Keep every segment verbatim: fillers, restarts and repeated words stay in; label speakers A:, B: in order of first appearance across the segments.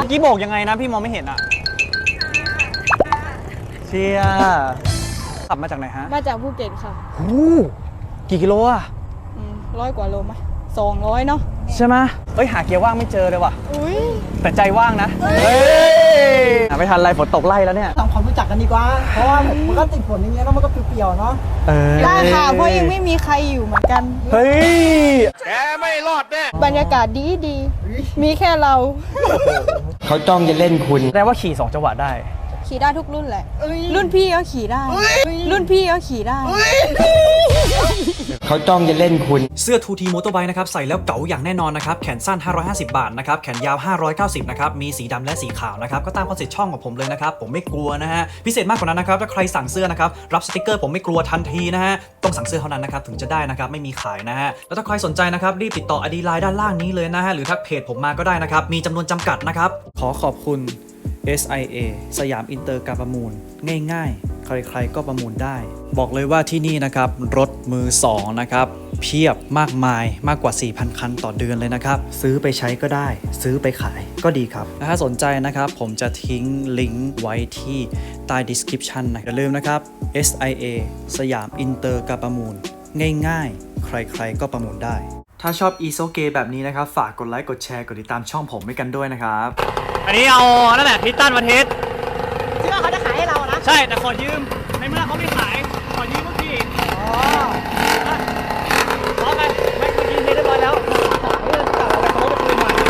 A: กี้โบกยังไงนะพี่มองไม่เห็นอ่ะเชียขับมาจากไหนฮะ
B: มาจากภูเก็ตค่ะ
A: หูกี่กิโลอ่ะ
B: ร้อยกว่าโลไหมสองร้อยเนาะ
A: ใช่ไหมเอ้ยหาเกียร์ว่างไม่เจอเลยว่ะ
B: อุ้ย
A: แต่ใจว่างนะเฮ้ยไม่ทันไรฝนตกไล่แล้วเนี่ย
C: ทำความรู้จักกันดีกว่าเพราะว่ามันก็ติดฝนอย่างเงี้ยแล้วมันก็เปรี่ยวๆเนาะ
B: ได้ค่ะเพราะยังไม่มีใครอยู่เหมือนกัน
A: เฮ้ย
D: แกไม่รอดแน่
B: บรรยากาศดีดีมีแค่เรา
D: เขาจ้องจะเล่นคุณ
A: แปลว่าขี่สองจังหวะได้
B: ขี่ได้ทุกรุ่นแหละรุ่นพี่ก็ขี่ได้รุ่นพี่ก็ขี่ได้
D: เขาจ้องจะเล่นคุณ
E: เสื้อ ทู ที Motorbike นะครับใส่แล้วเก๋าอย่างแน่นอนนะครับแขนสั้นห้าร้อยห้าสิบบาทนะครับแขนยาวห้าร้อยเก้าสิบนะครับมีสีดำและสีขาวนะครับก็ตามคอนเซ็ปต์ช่องของผมเลยนะครับผมไม่กลัวนะฮะพิเศษมากกว่านั้นนะครับถ้าใครสั่งเสื้อนะครับรับสติกเกอร์ผมไม่กลัวทันทีนะฮะต้องสั่งเสื้อเท่านั้นนะครับถึงจะได้นะครับไม่มีขายนะฮะแล้วถ้าใครสนใจนะครับรีบติดต่อ ไอ ดี ไลน์ ด้านล่างนี้เลยนะฮะหรือทักเพจผมมาก็ได้นะครับมีจำนวนจำกัดนะครับขอขอบคุณ เอส ไอ เอ สยามอินเตอร์การประมูลง่ายๆใครๆก็ประมูลได้บอกเลยว่าที่นี่นะครับรถมือสองนะครับเพียบมากมายมากกว่า สี่พัน คันต่อเดือนเลยนะครับซื้อไปใช้ก็ได้ซื้อไปขายก็ดีครับถ้าสนใจนะครับผมจะทิ้งลิงก์ไว้ที่ใต้ description นะอย่าลืมนะครับ เอส ไอ เอ สยามอินเตอร์การประมูลง่ายๆใครๆก็ประมูลได้ถ้าชอบอีโซเกแบบนี้นะครับฝากกดไลค์กดแชร์กดติดตามช่องผมให้กันด้วยนะครับ
A: อันนี้เอานั่นแหละพิตตันมาเทส
C: เชื่อเขาจะขายให้เรานะ
A: ใช่แต่ขอยืมในเมื่อเขาไม่ขายขอยืมเมื่อกี้อ๋อเอาไปไม่เมื่อกี้เทสเรียบร้อยแล้วเรื่องกลับเอาไปเขาไปคืนมา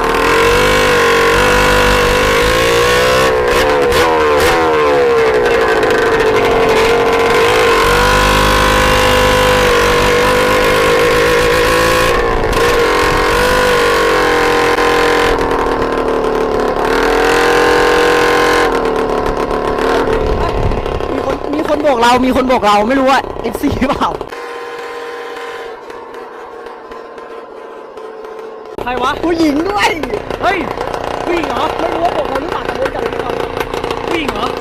C: เรามีคนบอกเราไม่รู้ว่า เอฟ ซี เปล่า
A: ใครวะ
C: ผู้หญิงด้วย
A: เฮ้ยผู้หญิงเหรอ
C: ไม่รู้ว่าบอกเราหรือเปล่าแต่โดนจับหรือเปล่า
A: ผู้หญิงเหรอ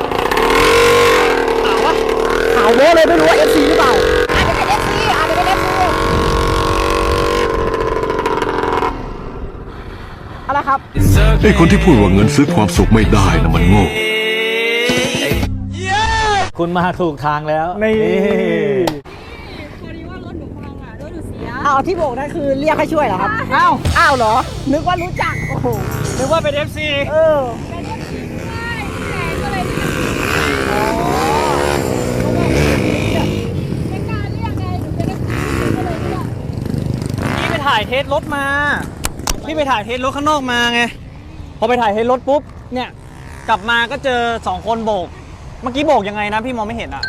A: ถามวะ
C: ข่าวโว้เลยไม่รู้ว่า เอฟ ซี หรือเปล่าอาจจะเป็น เอฟ ซี อาจจะเป็น เอฟ ซี อะไรครับ
F: ไอ้คนที่พูดว่าเงินซื้อความสุขไม่ได้นะมันโง่
A: คุณมาถูกทางแล้วนี่
B: พอดีว่ารถหนูพังอ่ะรถหนูเสีย
C: อ้าวที่โบกนั่นคือเรียกให้ช่วยเหรอครับอ้าวอ้าวเหรอนึกว่ารู้จักโอ้โห
A: นึกว่าเป็น เอฟ ซี
C: เออ
B: เป็น เอฟ ซี ด้วยก็เลย
C: อ๋อ
B: ไม่กล้าเรียกไงหนูเป็น เอฟ ซี ก็เลยเรียก
A: พี่ไปถ่ายเทสรถมาพี่ไปถ่ายเทสรถข้างนอกมาไงพอไปถ่ายเทสรถปุ๊บเนี่ยกลับมาก็เจอสองคนโบกเมื่อกี้โบกยังไงนะพี่มองไม่เห็นอ่ะ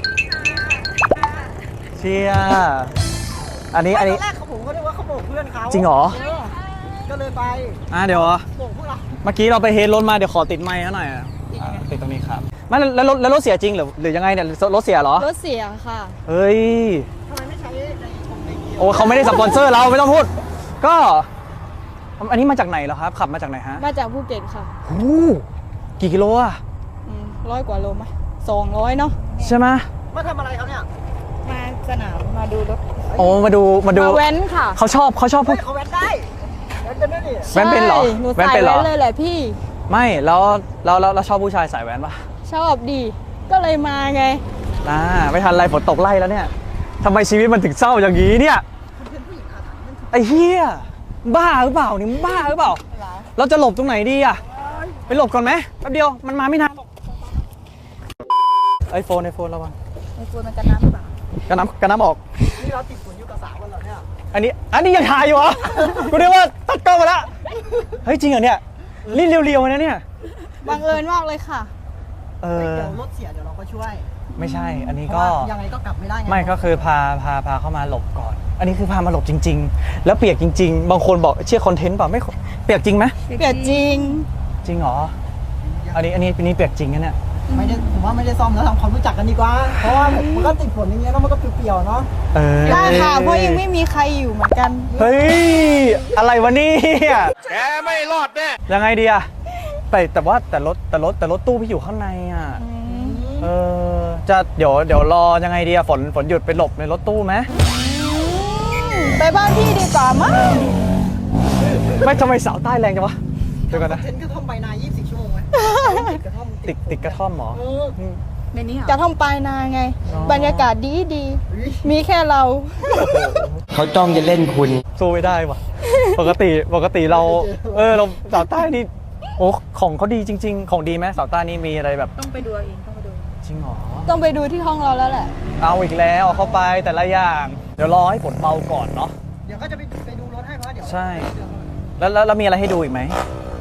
A: เชียอันนี้อันนี้
C: ตอนแรกผมก็นึกว่าเขาโบกเพื่อนเขา
A: จริงเหรอ
C: ก็เลยไป
A: อ่ะเดี๋ยว
C: โบกพวกเรา
A: เมื่อกี้เราไปเฮดรถมาเดี๋ยวขอติดไมค์หน่อยติดตรงนี้ครับไม่แล้วรถแล้วรถเสียจริงหรือหรือยังไงเนี่ยรถเสียเหรอ
B: รถเสียค่ะ
A: เฮ้ย
C: ทำไมไม่ใช้ในของในเกียร์
A: โอ้เขาไม่ได้สปอนเซอร์เราไม่ต้องพูดก็อันนี้มาจากไหนเหรอครับขับมาจากไหนฮะ
B: มาจากภูเก็ตค่ะ
A: หูกี่กิโลอ่ะ
B: ร้อยกว่าโลไหมสองร้อยเนาะ
A: ใช่ไหม
C: มาทำอะไรครับเนี่ย
B: มาสนามมาดูรถ
A: โอ้มาดูมาดู
B: มาแว้นค่ะ
A: เขาชอบเขาชอบพูด
C: เขาแว้นได้แว้นเป็นด้วยดิ
A: แว้นเป็นเหรอ
B: แว้นเป็นเหรอเลยแหละพี่
A: ไม่แล้วแล้วแล้วชอบผู้ชายสายแว้นปะ
B: ชอบดีก็เลยมาไง
A: อ่าไม่ทันไรฝนตกไล่แล้วเนี่ยทำไมชีวิตมันถึงเศร้าอย่างนี้เนี่ยไอ้เหี้ยบ้าหรือเปล่านี่บ้าหรือเปล่าเราจะหลบตรงไหนดีอะไปหลบก่อนไหมแป๊บเดียวมันมาไม่นานไอโฟนไอโฟนระวัง
B: ไอโฟนมันกันน้ำหรือเปล่า
A: กันน้ำกันน้ำออก
C: นี่เราติดฝนอยู่กับสาวกันเหรอเนี่ย
A: อันนี้อันนี้ยังถ่ายอยู่เหรอกูเรียกว่าตัดกล้องมาละเฮ้ยจริงเหรอเนี่ยรีบเรียวๆนะเนี่ย
B: บังเอิญมากเลยค่ะ
C: เออเดี๋ยวรถเสียเดี๋ยวเราก็ช่วย
A: ไม่ใช่อันนี้ก็
C: ยังไงก็กลับไม่ได้ไง
A: ไม่ก็คือพาพาพาเข้ามาหลบก่อนอันนี้คือพามาหลบจริงๆแล้วเปียกจริงๆบางคนบอกเชื่อคอนเทนต์เปล่าไม่เปียกจริงไหม
B: เปียกจริง
A: จริงเหรออันนี้อันนี้อันนี้เปียกจริงนะเนี่ย
C: ไม่ได้ผมว่าไม่ได้ซ่อมแล้วทำความรู้จักกันดีกว่าเพราะว่ามันก็ติดฝนอย่างเงี้ยแล้วมันก็เปรี่ยวๆเนาะ
B: ได้ค่ะเพราะยังไม่มีใครอยู่เหมือนกัน
A: เฮ้ยอะไรวะนี่
D: แกไม่รอดแน่
A: ยังไงดีอะแต่แต่ว่าแต่รถแต่รถแต่รถตู้พี่อยู่ข้างในอะเออจะเดี๋ยวเดี๋ยวรอยังไงดีอะฝนฝนหยุดไปหลบในรถตู้ไหม
B: ไปบ้านพี่ดีกว่ามั้ง
A: ไม่ทำไมสาวใต้แรงจังวะเดี๋ยวก่อนนะ
C: เทนกระท่อมใบนายี่สิบสี่ชั่วโมงไหมติดกระท่อม
A: ติดติดกระท่อมเหรอ
C: เออ
B: ในนี้กระท่อมปลายนาไง
A: อ๋อ
B: บรรยากาศดีดีมีแค่เรา
D: เขาจ้องจะเล่นคุณ
A: สู้ไม่ได้ว่ะ ปกติปกติเรา เออเราสาวใต้นี่โอ้ของเขาดีจริง ๆ ของดีไหมสาวใต้นี่มีอะไรแบบ
B: ต้องไปดูเองต้องไปดู
A: จริงเหรอ
B: ต้องไปดูที่ห้องเราแล้วแหละ
A: เอาอีกแล้วเอาเข้าไปแต่ละอย่าง เดี๋ยวรอให้ฝนเบาก่อนเนาะ
C: เดี๋ยวก็จะไปไปดูรถให้เพราะเดี๋ยว
A: ใช่ แล้วแล้วแล้วมีอะไรให้ดูอีกไหม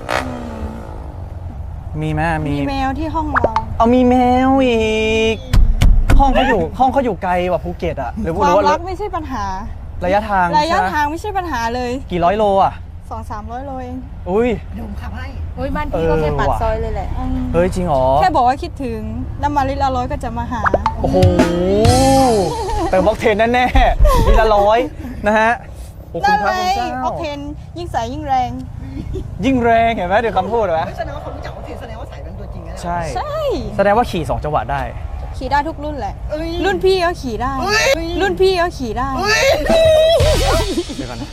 A: มีไหมมี
B: มีแมวที่ห้องเรา
A: เอามีแมวอีก ห้องเขาอยู่ห้องเขาอยู่ไกลกว่าภูเก็ตอะหรือ
B: ความ
A: หรือว่า
B: รักไม่ใช่ปัญหา
A: ระยะทาง
B: ระยะ
A: ใช่ไหม
B: ทางไม่ใช่ปัญหาเลย
A: กี่ร้อยโลอะ
B: สองสามร้อยโลเอง
A: อุ้ย
C: เดี๋ยวผมขับให้
B: โอ้ยบ้าน
A: เออว่ะ
B: อืม
A: เฮ้ยจริงเหรอ
B: แค่บอกว่าคิดถึงน้ำมันลิตรละร้อยก็จะมาหา
A: โอ้โหเติมบล็อกเทนแน่ๆทีละร้อยนะฮะโอ้คุ
B: นั่
A: ณ
B: น
A: พระ
B: ไง
A: คุณเจ้า
B: ออกเทนยิ่งใสยิ่งแรง
A: ยิ่งแรงเห็นไหมเดี๋ยวคำพูดเห็นไหม
C: ไม่แสดงว่าเขารู้จักว่าเทนแสดงว่าใส่เป็นตัวจริงนะ
A: ใช่
B: ใช่
A: แสดงว่าขี่สองจังหวะได้
B: ขี่ได้ทุกรุ่นแหละ
C: เอ้ย
B: รุ่นพี่ก็ขี่ได้ รุ่นพี่ก็ขี่ได้
A: เดี๋ยวก่อนนะ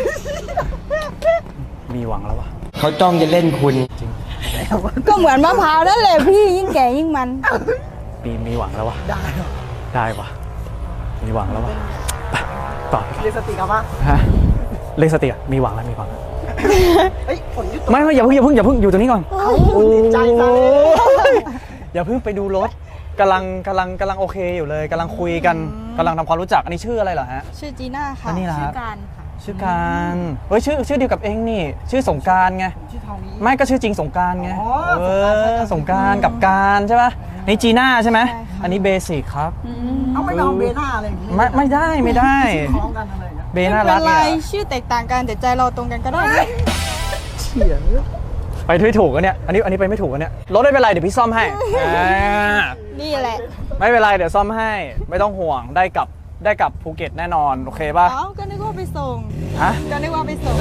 A: มีหวังแล้ววะ
D: เขาจ้องจะเล่นคุณ
B: ก็เหมือนมะพร้าวนั่นแหละพี่ยิ่งแก่ยิ่งมัน
A: มีมีหวังแล้ววะ
C: ได้เหรอ
A: ได้วะมีหวังแล้ววะไปต่อ
C: เรียกสติครับว่า
A: ฮะเลขสติอะมีหวังแล้วมีหวังแล้ว
C: เฮ้ยฝนหยุดตก
A: ไม่ไม่อย่าเพิ่งอย่าเพิ่งอย่าเพิ่งอยู่ตรงนี้ก่อน
C: โอ้ยดีใจจังเลย
A: อย่าเพิ่งไปดูรถกำลังกำลังกำลังโอเคอยู่เลยกำลังคุยกันกำลังทำความรู้จักอันนี้ชื่ออะไรเหรอฮะ
B: ชื่อจีน่าค่ะ
A: อันนี้เหรอครับ
B: ชื่อการค่ะ
A: ชื่อการเฮ้ยชื่อชื่อเดียวกับเองนี่ ชื่อสงกรารไง
C: ชื่อทองนี้
A: ไม่ก็ชื่อจริงสงกรารไง
C: อ๋อ
A: เออสงกรารกับการใช่ปะนี่จีน่าใช่ไหม
B: ใช่ค่ะ
A: อันนี้เบสิกครับ
C: เอาไม่เอาเบน่าอะไรอย่างงี้
A: ไม่ไม่ได้ไม่ได้
C: คล้องกันอะไรอย่างเงี้ย
A: เบ
B: ไม่
A: น่า
B: เป็
A: รัก
B: นไร
A: เนี่ย
B: ชื่อแตกต่างกันแต่ใจเราตรงกันก็ได้นะ
C: เฉียง
A: ไปไม่ถูกกันเนี่ยอันนี้อันนี้ไปไม่ถูกกันเนี่ยรถไม่เป็นไรเดี๋ยวพี่ซ่อมให้อ่า
B: นี่แหละ
A: ไม่เป็นไรเดี๋ยวซ่อมให้ไม่ต้องห่วงได้กลับได้กลับภูเก็ตแน่นอนโอเคป่ะ
B: เอ้าก็นึกว่าไปส่ง
A: ฮะ
B: ก็นึกว่าไปส่ง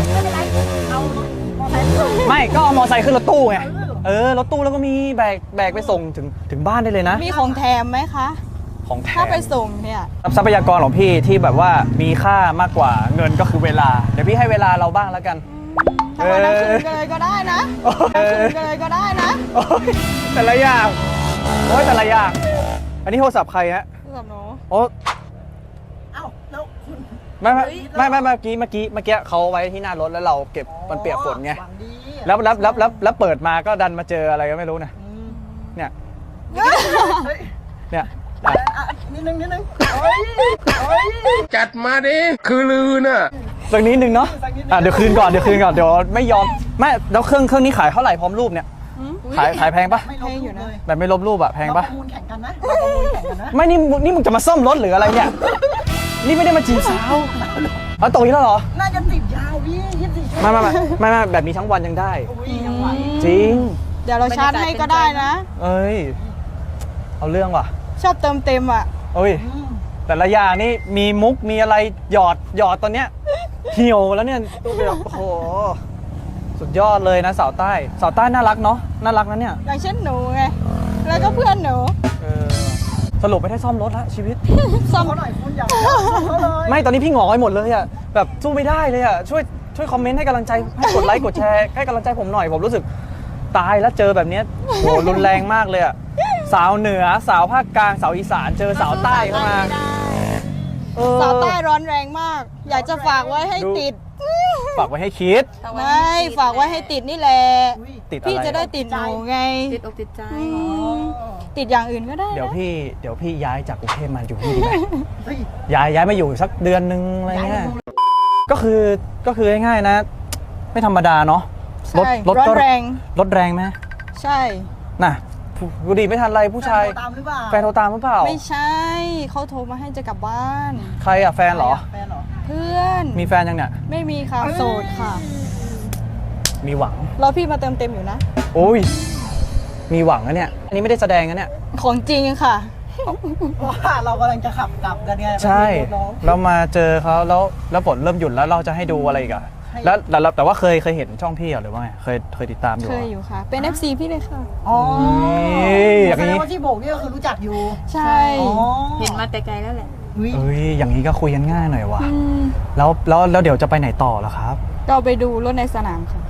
A: ไม่ก็เอามอไซค์ขึ้นรถตู้ไงเออรถตู้แล้วก็มีแบกแบกไปส่งถึงถึงบ้านได้เลยนะ
B: มีของแถมไหมคะ
A: ของแถ
B: ถ้าม ไปส่งเนี่ย
A: ทรัพยากรของพี่ที่แบบว่ามีค่ามากกว่าเงินก็คือเวลา เดี๋ยวพี่ให้เวลาเราบ้างแล้วกัน
B: ถ้าวันนั้นคืนกันเลยก็ได้นะ
A: โอ้ย
B: ถ้าคืนกันเลยก็ได้นะ
A: โอ๊ยแต่ละอย่างโอ้ยแต่ละอย่างอันนี้โทรศัพท์ใครฮะ
B: สำหรับหนู
A: โอ้
C: เอ้าแล้วคุณ
A: ไม่ไม่ไม่ไม่เมื่อกี้เมื่อกี้เมื่อกี้เขาไว้ที่หน้ารถแล้วเราเก็บมันเปียกฝนไง
C: หวังดี
A: แล้วแล้วแล้วแล้วแล้วเปิดมาก็ดันมาเจออะไรก็ไม่รู้นะ
C: อืม
A: เนี่ย
C: เฮ้ย
A: เนี่ยอ่ะ
C: อ่ะนิดนึงนิดนึงโอ้ยโอ้ย
D: จัดมาดิ คือลือน่ะ
A: สักนิดนึงเนาะอ่ะเดี๋ยวคืนก่อนเดี๋ยวคืนก่อนเดี๋ยวไม่ยอมไม่แล้วเครื่องเครื่องนี้ขายเท่าไหร่พร้อมรูปเนี่ยขายขายแพงปะ
C: ไม่ลบอยู่เลย
A: แบบไม่ลบรูปอะแพง
C: เรา
A: ปะ
C: ประมูลแข่งกันนะเราประมูลแข่งกันนะ
A: ไม่นี่มึงนี่มึงจะมาซ่อมรถหรืออะไรเนี่ยนี่ไม่ได้มาจีบสาวเอาตกอีกแล้วเหรอ
C: น่าจะติดยาวพี่ยี่สิบสี่ชั่วโม
A: ไม่
C: ง
A: ไม่ไม่ไม่ไม่แบบนี้ทั้งวันยังได้
C: อุ้ยยังไหว
A: จริง
B: เดี๋ยวเราชาร์จให้ก็ได้นะ
A: เอ้ยเอาเรื่องว่ะ
B: ชอบเติมเต็มอ่ะ
A: เอ้ย
C: อืม
A: แต่ละอย่างนี่มีมุกมีอะไรหยอดหยอดตอนเนี้ยเหี่ยวแล้วเนี่ยแบบโอ้โหสุดยอดเลยนะสาวใต้สาวใต้น่ารักเนาะน่ารักนะเนี่ย
B: อย่างเช่นหนูไง แล้วก็เพื่อนหนู
A: เออสรุปไม่ได้ซ่อมรถละชีวิต
B: ซ่อม
C: เขาหน่อยคุณอยากเขาเลย
A: ไม่ตอนนี้พี่หงอยหมดเลยอะแบบสู้ไม่ได้เลยอะช่วยช่วยคอมเมนต์ให้กำลังใจให้กดไลค์กดแชร์ให้กำลังใจผมหน่อยผมรู้สึกตายแล้วเจอแบบเนี้ยโหรุนแรงมากเลยอะสาวเหนือสาวภาคกลางสาวอีสานเจอสาวใต้เข้ามาเออ
B: สาวใต้ร้อนแรงมาก อยากจะฝากไว้ให้ติด
A: ฝากไว้ให้คิด
B: ไม่ฝากไว้ให้ติดนี่แหละ
C: อุ้ย
A: ติดอะไร
B: พี่จะได้ติดหนูไง
G: ติดอกติดใจ
B: อืมติดอย่างอื่นก็ได้นะ
A: เดี๋ยวพี่เดี๋ยวพี่ย้ายจากกรุงเทพมาอยู่ที่นี่ไหม
C: เฮ้ย
A: ย้ายย้ายมาอยู่สักเดือนนึงอะไรเงี้ยก็คือก็คือง่ายๆนะ ไม่ธรรมดาเนาะรถ
B: ใช่
A: รถ
B: ร้อน
A: ก็
B: แรง
A: รถแรงไหม
B: ใช่
A: น่ะกูดีไม่ทันไรผู้ชาย
C: แฟนโทรตามหรือเปล่า
A: แฟนโทรตามหรือเปล่า
B: ไม่ใช่ เขาโทรมาให้จะกลับบ้าน
A: ใครอะแฟนเหรอ
C: แฟนเหรอ
B: เพื่อน
A: มีแฟนยังเนี่ย
B: ไม่มีค่ะ โสดค่ะ
A: มีหวัง
B: รอพี่มาเติมเต็มอยู่นะ
A: โอ้ย มีหวังนะเนี่ย อันนี้ไม่ได้แสดงนะเนี่ย
B: ของจริงค่ะ
C: เพราะว่าเรากำลังจะขับกลับกันไง
A: ใช่
C: ไปดูน้อง
A: เรามาเจอเขาแล้วแล้วฝนเริ่มหยุดแล้วเราจะให้ดูอะไรอีกอะ
C: ให้
A: แล้วแต่แต่ว่าเคยเคยเห็นช่องพี่เหรอหรือว่าไงเคยเคยติดตามอยู่
B: เค
A: เหร
B: ย
A: อ
B: อยู่ค่ะ เป็น เอฟ ซี พี่เลยค่ะ
C: อ๋อ
A: นี่อย่างนี้
C: แสดงว่าที่โบกนี่ก็คือรู้จักอยู่
B: ใช่
C: อ๋อ
G: เห็นมาแต่ไกลแล้วแหละ
C: อุ้ย
A: เอ้ย อย่างนี้ก็คุยกันง่ายหน่อยว่ะ
B: อืม
A: แล้วแล้วแล้วเดี๋ยวจะไปไหนต่อล่ะครับ
B: เราไปดูรถในสนามค่ะ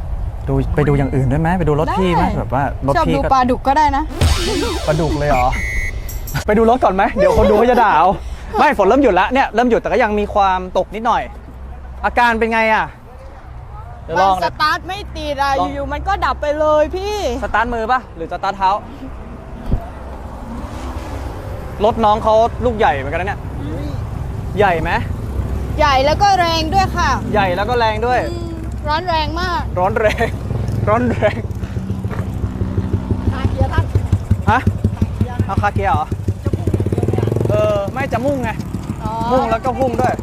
A: ดูไปดูอย่างอื่นด้วยไหมไปดูรถพี่ไหมแบบว่ารถ
B: ชอบ
A: พี่
B: ดู
A: ก็
B: ปลาดุกก็ได้นะ
A: ปลาดุกเลยเหรอ ไปดูรถก่อนไหมเดี๋ยวคนดูเขาจะด่าเอาไม่ฝนเริ่มหยุดแล้วเนี่ยเริ่มหยุดแต่ก็ยังมีความตกนิดหน่อย อาการเป็นไงอ่ะเดี๋ยวล
B: มั
A: อน ง
B: สตาร์ทไม่ติดอะ
A: ลอง
B: อยู่ๆมันก็ดับไปเลยพี่
A: สตาร์ทมือป่ะหรือสตาร์ทเท้า รถน้องเขาลูกใหญ่เหมือนกันนะเนี่ยใหญ่ไหม
B: ใหญ่แล้วก็แรงด้วยค่ะ
A: ใหญ่แล้วก็แรงด้วย
B: อืมร้อนแรงมาก
A: ร้อนแรง ร้อนแรง
C: คาเกียร์ท่าน
A: ฮะเอาคาเกียร์เหรอเออไม่จะมุ่งไง
B: อ๋อ
A: มุ่งแล้วก็พุ่งด้วย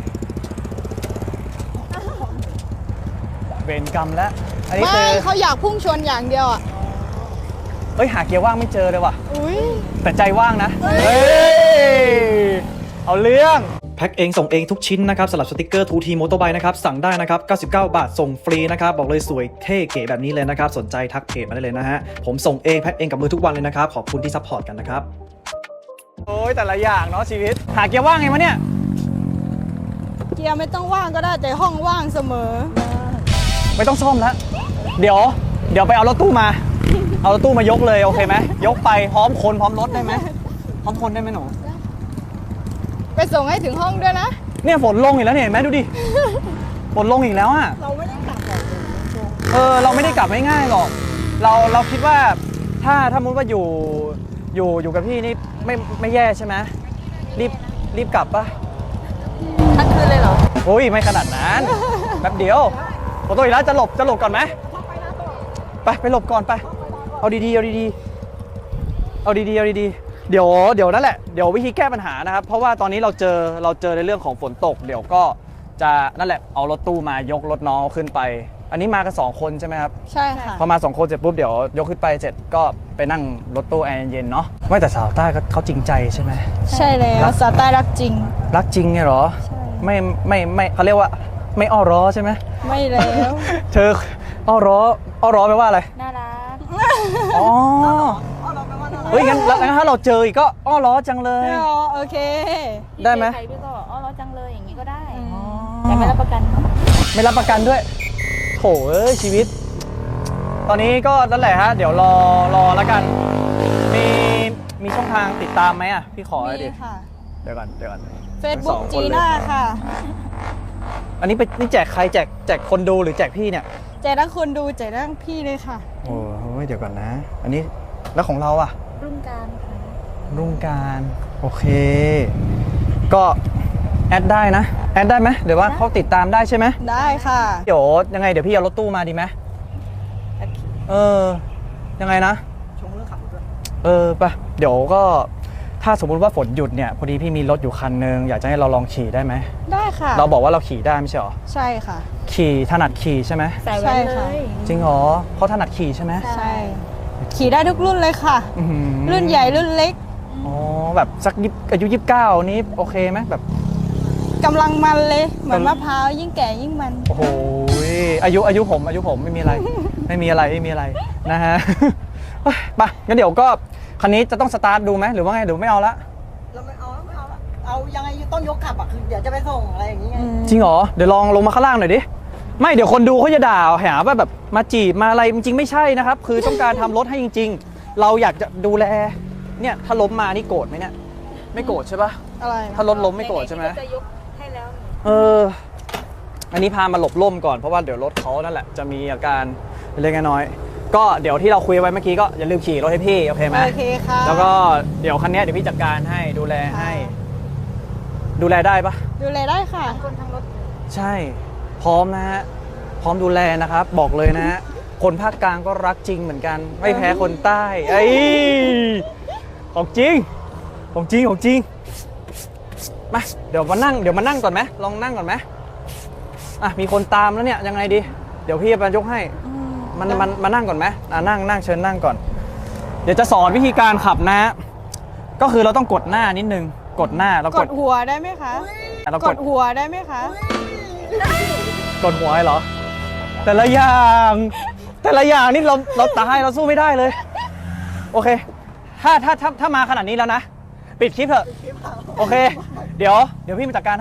A: เวรกรรมแล้วอันนี้
B: ไม่
A: คือ
B: เขาอยากพุ่งชนอย่างเดียวอ่ะ
A: เฮ้ยหาเกียร์ว่างไม่เจอเลยว่ะ
B: อุ้ย
A: แต่ใจว่างนะเฮ้ยเอาเรื่อง
E: แพ็คเองส่งเองทุกชิ้นนะครับสำหรับสติกเกอร์ ทู ที Motorbike นะครับสั่งได้นะครับเก้าสิบเก้าบาทส่งฟรีนะครับบอกเลยสวยเท่เก๋แบบนี้เลยนะครับสนใจทักเพจมาได้เลยนะฮะผมส่งเองแพ็คเองกับมือทุกวันเลยนะครับขอบคุณที่ซัพพอร์ตกันนะครับ
A: โอ้ยแต่ละอย่างเนาะชีวิตหาเกียร์ว่างไงวะเนี่ย
B: เกียร์ไม่ต้องว่างก็ได้แต่ห้องว่างเสมอ
A: ไม่ต้องซ่อมแล้วเดี๋ยวเดี๋ยวไปเอารถตู้มา เอารถตู้มายกเลยโอเคไหมยกไปพร้อมคนพร้อมรถได้ไหมพร้อมคนได้ไหมหนู
B: ไปส่งให้ถึงห้องด้วยนะ
A: เนี่ยฝนลงอีกแล้วเนี่ยเห็นไหมดูดิฝนลงอีกแล้วอ่ะ
C: เราไม่ได้กลับหรอก
A: เออเราไม่ได้กลับง่ายๆหรอกเราเราคิดว่าถ้าถ้ามุติว่าอยู่อยู่อยู่กับพี่นี่ไม่ไม่แย่ใช่ไหมรีบรีบกลับปะ
B: ทั้งคืนเลยเหรอ
A: โอ้ยไม่ขนาดนั้นแป๊บเดียวขอตัวอีกแล้วจะหลบจะหลบก่อนไหมไปไปหลบก่อนไปเอาดีๆเอาดีๆเอาดีๆเอาดีๆเดี๋ยวเดี๋ยวนั่นแหละเดี๋ยววิธีแก้ปัญหานะครับเพราะว่าตอนนี้เราเจอเราเจอในเรื่องของฝนตกเดี๋ยวก็จะนั่นแหละเอารถตู้มายกรถน้องขึ้นไป อันนี้มากันสองคนใช่ไหมครับ
B: ใช่ค่ะ
A: พอมาสองคนเสร็จปุ๊บเดี๋ยวยกขึ้นไปเสร็จก็ไปนั่งรถตู้แอร์เย็นๆเนาะไม่แต่สาวใต้ก็เขาจริงใจใช่ไหม
B: ใช่แล้
A: รั
B: ว
A: ก
B: สาใต้รักจริง
A: รักจริงไงเหรอ
B: ใช่
A: ไม่ไม่ไม่เขาเรียกว่าไม่อ้อร้อใช่ไหม
B: ไม่แล้ว
A: เธออ้อร้ออ้อร้อแปลว่าอะไร
G: น่ารัก
A: อ๋อเฮ้ยงั้นแล้วงั้นถ้าเราเจออีกก็อ้อร้อจังเลย
B: อ๋อโอเค
A: ได้ไหม
G: พี่เจอใครพี่ก็บอกอ๋อเราจังเลยอย่างนี้ก็ได้ แต่ไม่รับประกัน
A: ไม่รับประกันด้วยโถเอ้ยชีวิต ตอนนี้ก็นั่นแหละฮะเดี๋ยวรอรอแล้วกัน มีมีช่องทางติดตามไหมอ่ะพี่ขอหน่อยดิ
B: มีค่ะ
A: เดี๋ยวก่อนเดี๋ยวก่อน
B: Facebook
A: สองค
B: จี
A: เลย
B: น่าค่ะ
A: อันนี้ไปนี่แจกใครแจกแจกคนดูหรือแจกพี่เนี่ย
B: แจกทั้งคนดูแจกทั้งพี่เลยค่ะ
A: โอ้ยเดี๋ยวก่อนนะ อันนี้แล้วของเราอ่ะ
G: รุ่งการค่ะ
A: รุ่งการโอเค ก็แอดได้นะแอดได้ไหมเดี๋ยวว่าเขาติดตามได้ใช่ไหม
B: ได้ค่ะ
A: เดี๋ยวยังไงเดี๋ยวพี่เอารถตู้มาดีไหมเออยังไงนะ
C: ชงเรื่องขับรถด้วย
A: เออปะเดี๋ยวก็ถ้าสมมุติว่าฝนหยุดเนี่ยพอดีพี่มีรถอยู่คันนึงอยากจะให้เราลองขี่ได้ไหม
B: ได้ค่ะ
A: เราบอกว่าเราขี่ได้ไม่ใช่หรอ
B: ใช่ค่ะ
A: ขี่ถนัดขี่ใช่ไหม
G: ใส่ไว้เล
B: ใช่ค่ะ
G: ย
A: จริงเหรอเขาถนัดขี่ใช่ไหม
B: ใช่ ขี่ได้ทุกรุ่นเลยค่ะ
A: อื้อหือ
B: รุ่นใหญ่รุ่นเล็ก
A: อ๋อแบบสักยิบอายุยี่สิบเก้านี้โอเคไหมแบบ
B: กำลังมันเลย เหมือนมะพร้าวยิ่งแก่ยิ่งมัน
A: โอ้โหอายุอายุผมอายุผมไม่มีอะไร ไม่มีอะไรไม่มีอะไรนะฮะ เฮ้ยไปงั้นเดี๋ยวก็คันนี้จะต้องสตาร์ทดูไหมหรือว่าไงหรือไม่เอาละ
C: เราไม่เอาแล้วไม่เอาแล้วเอายังไงต้องยกขับอ่ะคือเดี๋ยวจะไปส่งอะไรอย่างเงี้ย
A: จริงเหรอเดี๋ยวลองลงมาข้างล่างหน่อยดิไม่เดี๋ยวคนดูเขาจะด่าหาว่าแบบมาจีบมาอะไรจริงๆไม่ใช่นะครับ คือต้องการทำรถให้จริง ๆ เราอยากจะดูแลเนี่ยถ้าล้มมานี่โกรธไหมเนี่ยไม่โกรธใช่ปะ
B: อะไร
A: ถ้ารถล้มไม่โกรธใช่ไหม
G: จะยกให้แล้ว
A: เออ อันนี้พามาหลบร่มก่อนเพราะว่าเดี๋ยวรถเขานั่นแหละจะมีอาการเล็กน้อยๆก็เดี๋ยวที่เราคุยไว้เมื่อกี้ก็อย่าลืมขี่รถให้พี่โอเคไหม
B: โอเคค่ะ
A: แล้วก็เดี๋ยวคันนี้เดี๋ยวพี่จัดการให้ดูแลให้ ดูแลได้ปะ
B: ดูแลได้ค่ะ
G: คนทั้งรถ
A: ใช่ พร้อมนะฮะพร้อมดูแลนะครับ บอกเลยนะฮะคนภาคกลางก็รักจริงเหมือนกัน ไม่แพ้คนใต้ไอ้ยของจริงของจริงของจริงมาเดี๋ยวมานั่งเดี๋ยวมานั่งก่อนไหมลองนั่งก่อนไหมอ่ะมีคนตามแล้วเนี่ยยังไงดี เดี๋ยวพี่จะยกให้มันมันมานั่งก่อนไหมอ่ะนั่งนั่งเชิญนั่งก่อน เดี๋ยวจะสอนวิธีการขับนะฮะก็คือเราต้องกดหน้านิดนึงกดหน้าแล้ว
B: ก
A: ก
B: ด
A: ด
B: หัวได้ไหมคะ
A: เรา
B: ก
A: ก
B: ด
A: ด
B: หัวได้ไหมคะ
A: กดหัวให้เหรอ แต่ละอย่างแต่ละอย่างนี่เราเราตายเราสู้ไม่ได้เลย โอเค ถ้าถ้าถ้าถ้ามาขนาดนี้แล้วนะ ปิดคลิปเถอะโอเค เดี๋ยวเดี๋ยวพี่มาจัดการให้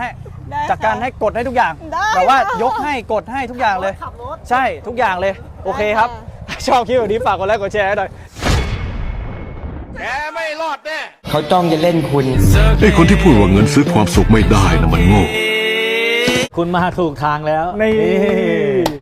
B: ได้
A: จัดการ
B: ค่ะ
A: ให้กดให้ทุกอย่าง
B: ได้
A: แบบว่า
B: ค่ะ
A: ยกให้กดให้ทุกอย่างเลย
C: ขับรถ
A: ใช่ทุกอย่างเลย โอเคครับ ชอบคลิปแบบนี้ฝากกดไลค์กดแชร์ให้หน่อย
D: เขาจ้องจะเล่นคุณ
F: ไอ้คนที่พูดว่าเงินซื้อความสุขไม่ได้นะมันโง่
H: คุณมาถูกทางแล้ว
A: นี่